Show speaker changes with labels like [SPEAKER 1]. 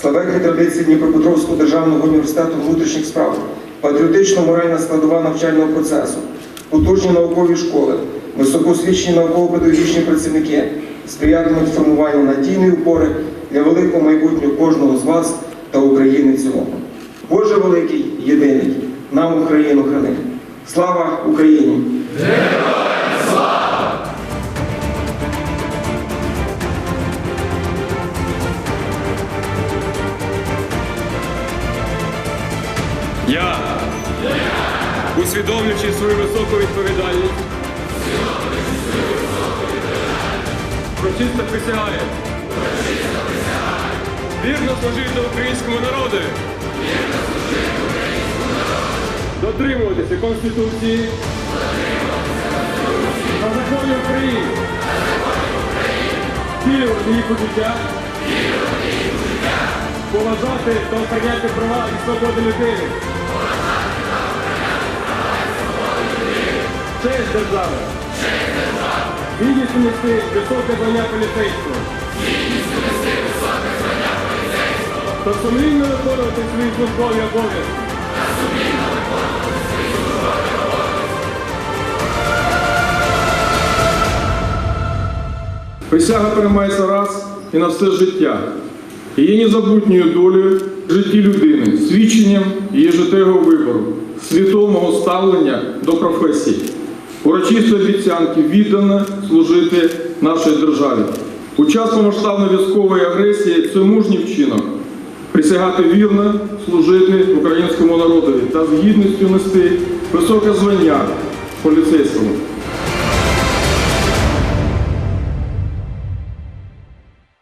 [SPEAKER 1] славетні традиції Дніпропетровського державного університету внутрішніх справ, патріотично-моральна складова навчального процесу, потужні наукові школи, високоосвічені науково-педагогічні працівники сприятимуть формуванню надійної опори для великого майбутнього кожного з вас та України в цілому. Боже великий, єдиний, нам Україну храни. Слава Україні!
[SPEAKER 2] Героям слава!
[SPEAKER 3] Я, усвідомлюючи свою високу відповідальність, урочисто присягаю вірно служити українському народу, дотримуватися Конституції та законів України, втілювати їх у життя, поважати та охороняти права і свободи людини, честь держави, гідністю нести високе звання поліцейського, та сумлінно виконувати свої службові обов'язки.
[SPEAKER 4] Присяга приймається раз і на все життя. І є незабутньою долею в житті людини, свідченням її життєвого вибору, свідомого ставлення до професії, урочистої обіцянки віддано служити нашій державі. У час повномасштабної військової агресії це мужній вчинок присягати вірно служити українському народові та з гідністю нести високе звання поліцейському.